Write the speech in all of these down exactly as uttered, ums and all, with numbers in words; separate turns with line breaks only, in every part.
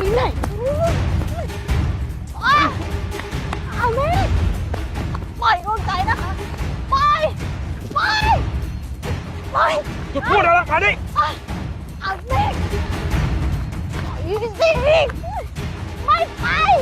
ไหนอาเมฆปล่อยดวงใจนะคะปล่อยปล่อยปล่อย
จะพูดอะไรมาดิ
อาเมฆปล่อยสิไม่ไป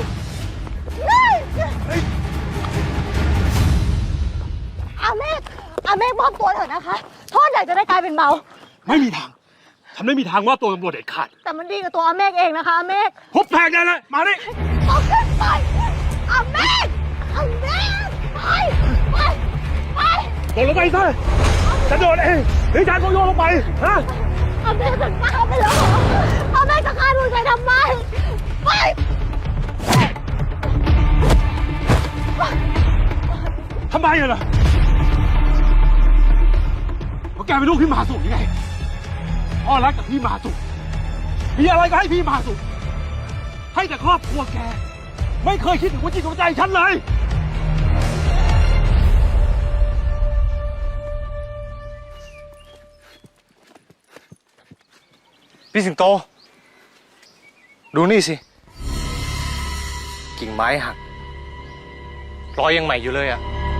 อาเมฆอาเมฆมอบตัวเถอะนะคะโทษใหญ่จะได้กลายเป็นเบา
ไม่มีทางฉันไม่มีทางว่าตัวตำรวจเด็ดขาด
แต่มันดีกับตัวอาเมฆเองนะคะอาเมฆ
พบแทงได้เลยมาดิ
เอาขึ้นไปอาเมฆอาเมฆไปไปไป
โดดลงไปซะจะโดดเองหรือฉันก็โยนลงไปฮะ
อาเมฆจะฆ่าไปแล้วเหรออาเมฆจะฆ่าดวงใจทำไมไป
ทำไมอะล่ะเพราะแกเป็นลูกพี่มหาสุขยังไงพ่อรักกับพี่มหาสุขมีอะไรก็ให้พี่มหาสุขให้แต่ครอบครัวแกไม่เคยคิดถึงหัวจิตหัวใจฉันเลย
พี่สิงโตดูนี่สิกิ่งไม้หักรอยยังใหม่อยู่เลยอะ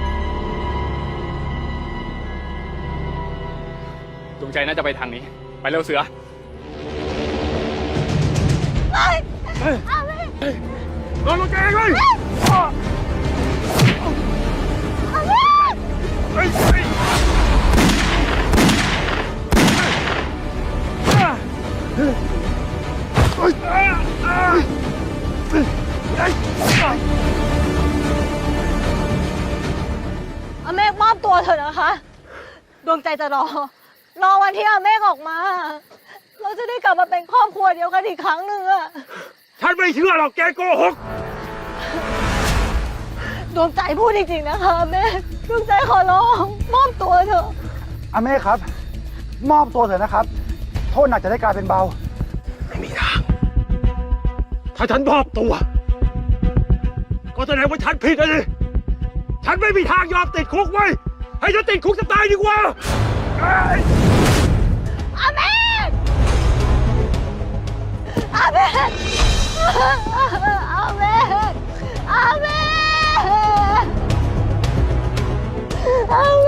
ดวงใจน่าจะไปทางนี้ไปเร็วเสือ
ไปอาเมฆ
โดนลงแกเองเลย
อาเมฆ
เฮ้ย
อาเมฆมอบตัวเถอะนะคะดวงใจจะรอรอวันที่อาเมฆออกมาเราจะได้กลับมาเป็นครอบครัวเดียวกันอีกครั้งหนึ่งอะ
ฉันไม่เชื่อหรอกแกโกหก
ดวงใจพูดจริงๆนะคะอาเมฆดวงใจขอร้องมอบตัวเถอะ
อาเมฆครับมอบตัวเถอะนะครับโทษหนักจะได้กลายเป็นเบา
ไม่มีทางถ้าฉันมอบตัวก็แสดงว่าฉันผิดเลยฉันไม่มีทางยอมติดคุกไว้ให้ฉันติดคุกจะตายดีกว่า
อาเมฆอาเมฆอาเมฆอาเมฆอาเมฆ